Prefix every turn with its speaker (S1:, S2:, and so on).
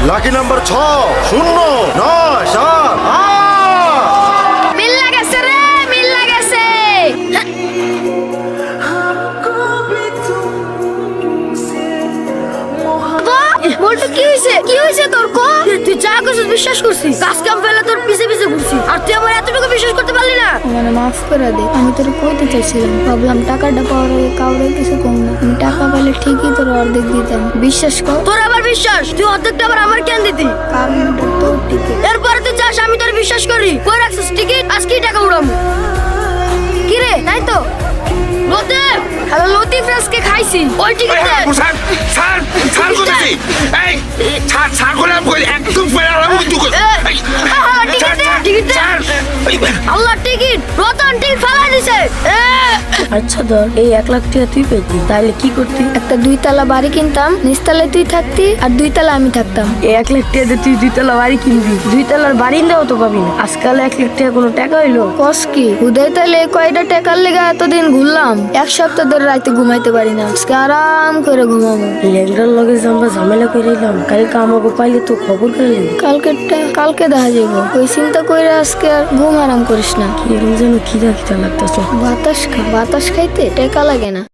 S1: Lucky number 60978।
S2: মিল্লা গেছে রে, মিল্লা গেছে। বলতো কি হইছে? কি হইছে তোর কো? তুই যা করছিস বিশ্বাস করছিস। কাজ কাম ফেলে তোর পিছে পিছে ঘুরছিস। আর তুই আমার এতটুকু বিশ্বাস করতে পারলি না?
S3: মানে মাফ করে দে, আমি তোর কইতে চাইছিলাম, ভাবলাম টাকাটা পাওয়ার আগে কাউরে কিছু কম না, আমি টাকা পেলে ঠিকই তোর অর্ধেক দিতাম, বিশ্বাস কর।
S2: তোর আবার বিশ্বাস? তুই অর্ধেকটা আবার আমার কেন দিতি?
S3: কারণ এটা তোর টিকিট।
S2: এরপরে তুই চাস আমি তোর বিশ্বাস করি? কই রাখছিস টিকিট? আজকেই টাকা উড়াবো। কি রে, তাই তো? লতিফ, হ্যালো লতিফ, আজকে খাইছি ওই টিকিট দে।
S4: স্যার স্যার স্যার কোথায়? এই স্যার স্যার করে আমি একদম ফেরালাম কিন্তু
S2: টিকিট দে। আল্লাহ টিকিট, রতন টিকিট ফালাই দিছে।
S5: আচ্ছা ধর এই 1 লাখ টাকা তুই পেতি, তাহলে কি করতি?
S3: একটা 2 তলা বাড়ি কিনতাম, নিচতলায় তুই থাকতি আর 2 তলা আমি থাকতাম।
S5: এই 1 লাখ টাকা দিয়ে তুই 2 তলা বাড়ি কিনবি? 2 তলার বারিন্দাও তো পাবি না। আজকাল 1 লাখ টাকা কোনো টাকা হইলো?
S3: কস কি হুদাই তাহলে কয়টা টাকার লেগে এতদিন ঘুরলাম, 1 সপ্তাহ ধরে রাতে ঘুমাইতে পারি না, আজকে আরাম করে ঘুমাবো।
S5: লেংরার লগে যে আমরা ঝামেলা করে এলাম, কালকে আমাকে পাইলে তো খবর করে
S3: কালকে দেখা যাবো, ওই চিন্তা করে আজকে আর ঘুম আরাম করিস না।
S5: কি যেন খিদা খিদা লাগতেছে।
S3: বাতাস খাইতে টাকা লাগে না।